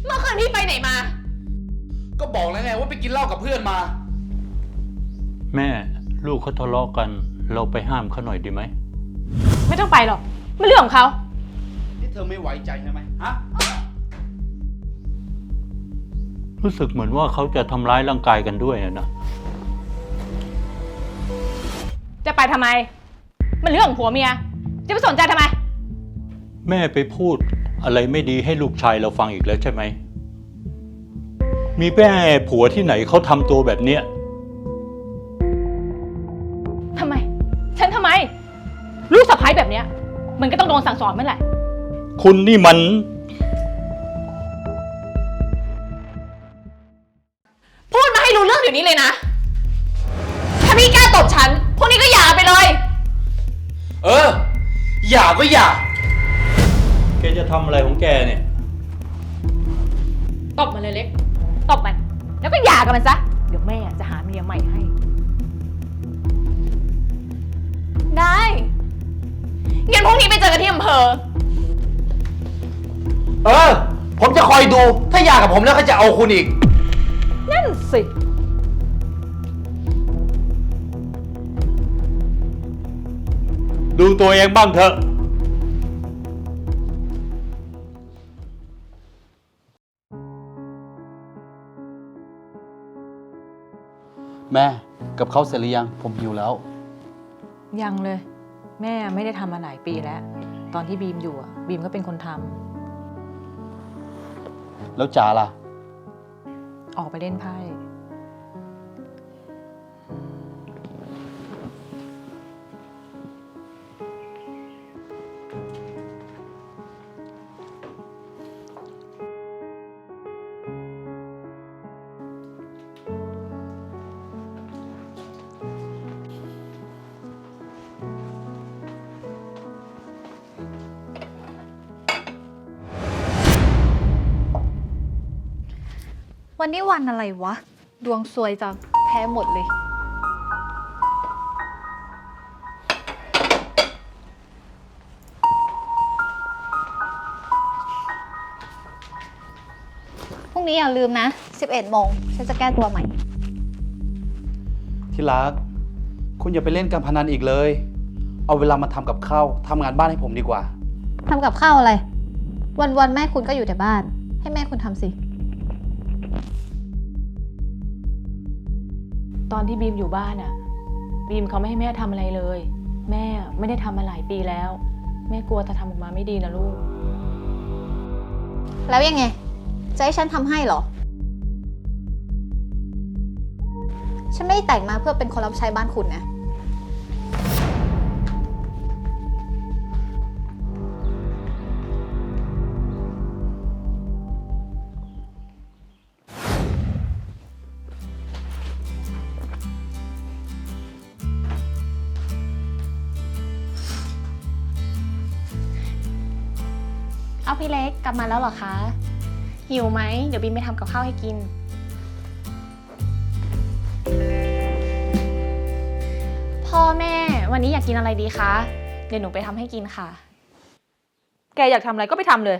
เมื่อคืนพี่ไปไหนมาก็บอกแล้วไงว่าไปกินเหล้ากับเพื่อนมาแม่ลูกเขาทะเลาะกัน เราไปห้ามเขาหน่อยดีไหมไม่ต้องไปหรอกไม่เรื่องของเขานี่เธอไม่ไว้ใจใช่ไหมฮะรู้สึกเหมือนว่าเขาจะทำร้ายร่างกายกันด้วยนะจะไปทำไม มันเรื่องของผัวเมีย จะไปสนใจทำไมแม่ไปพูดอะไรไม่ดีให้ลูกชายเราฟังอีกแล้วใช่ไหม มีแม่ผัวที่ไหนเขาทำตัวแบบเนี้ยทำไม ฉันทำไม ลูกสะใภ้แบบเนี้ย มันก็ต้องโดนสั่งสอนเมื่อไหร่คุณนี่มันพูดมาให้รู้เรื่องเดี๋ยวนี้เลยนะ ถ้าพี่กล้าตบฉัน พวกนี้ก็หย่าไปเลยเออ อย่าก็อย่าแกจะทำอะไรของแกเนี่ยตบมันเลยเล็ก ตบมัน แล้วก็หย่ากับมันซะ เดี๋ยวแม่จะหาเมียใหม่ให้ ได้งั้นพรุ่งนี้ไปเจอกันที่อำเภอเออ ผมจะคอยดู ถ้าอยากกับผมแล้วก็จะเอาคุณอีกนั่นสิดูตัวเองบ้างเถอะแม่กับเขาเสร็จหรือยัง ผมหิวแล้วยังเลย แม่ไม่ได้ทำมาหลายปีแล้ว ตอนที่บีมอยู่อะบีมก็เป็นคนทำแล้วจ๋าล่ะออกไปเล่นไพ่วันนี้วันอะไรวะ ดวงซวยจังแพ้หมดเลย พรุ่งนี้อย่าลืมนะ 11 โมง ฉันจะแก้ตัวใหม่ที่รัก คุณอย่าไปเล่นการพนันอีกเลย เอาเวลามาทำกับข้าวทำงานบ้านให้ผมดีกว่าทำกับข้าวอะไร วันๆแม่คุณก็อยู่แต่บ้าน ให้แม่คุณทำสิตอนที่บีมอยู่บ้านอะบีมเขาไม่ให้แม่ทำอะไรเลย แม่ไม่ได้ทำมาหลายปีแล้ว แม่กลัวจะทำออกมาไม่ดีนะลูกแล้วยังไง จะให้ฉันทำให้เหรอ ฉันไม่ได้แต่งมาเพื่อเป็นคนรับใช้บ้านคุณนะเอาพี่เล็กกลับมาแล้วเหรอคะ หิวไหม เดี๋ยวบินไปทำกับข้าวให้กิน พ่อแม่วันนี้อยากกินอะไรดีคะ เดี๋ยวหนูไปทำให้กินค่ะแกอยากทำอะไรก็ไปทำเลย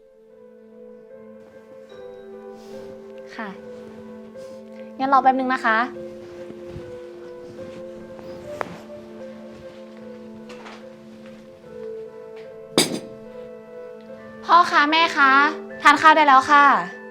ค่ะ งั้นรอแป๊บนึงนะคะ พ่อคะแม่คะทานข้าวได้แล้วค่ะ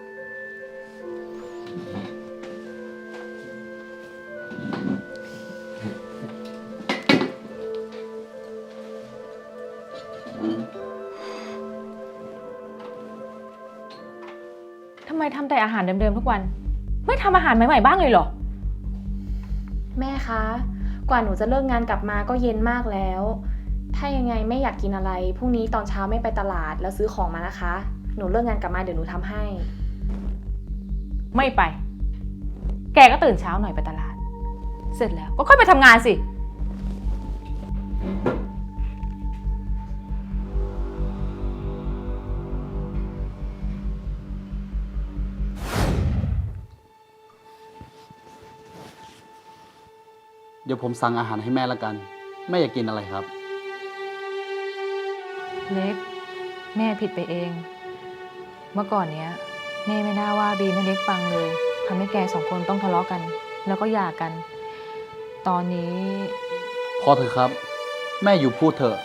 ทำไมทำแต่อาหารเดิมๆทุกวัน ไม่ทำอาหารใหม่ๆบ้างเลยเหรอแม่คะ กว่าหนูจะเลิกงานกลับมาก็เย็นมากแล้ว ถ้ายังไงแม่อยากกินอะไร พรุ่งนี้ตอนเช้าแม่ไปตลาดแล้วซื้อของมานะคะ หนูเลิกงานกลับมาเดี๋ยวหนูทำให้ไม่ไป แกก็ตื่นเช้าหน่อยไปตลาด เสร็จแล้วก็ค่อยไปทำงานสิเดี๋ยวผมสั่งอาหารให้แม่ละกัน แม่อยากกินอะไรครับเล็ก แม่ผิดไปเอง เมื่อก่อนเนี้ยแม่ไม่น่าว่าบีมไม่เล็กฟังเลยทำให้แกสองคนต้องทะเลาะกัน แล้วก็หย่ากัน ตอนนี้พอเถอะครับ แม่อยู่พูดเถอะ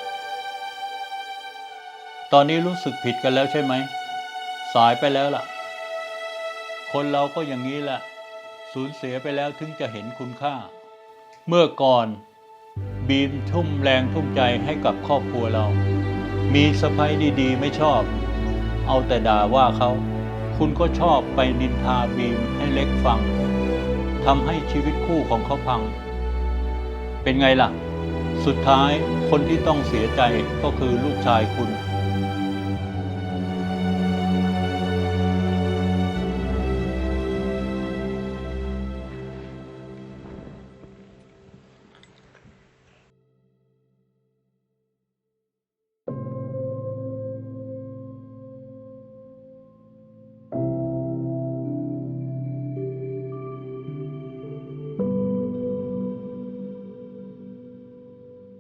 ตอนนี้รู้สึกผิดกันแล้วใช่ไหม สายไปแล้วล่ะ คนเราก็อย่างนี้แหละ สูญเสียไปแล้วถึงจะเห็นคุณค่า เมื่อก่อนบีมทุ่มแรงทุ่มใจให้กับครอบครัวเรา มีสะใภ้ดีๆไม่ชอบ เอาแต่ด่าว่าเขา คุณก็ชอบไปนินทาบีมให้เล็กฟัง ทำให้ชีวิตคู่ของเขาพัง เป็นไงล่ะ สุดท้ายคนที่ต้องเสียใจก็คือลูกชายคุณ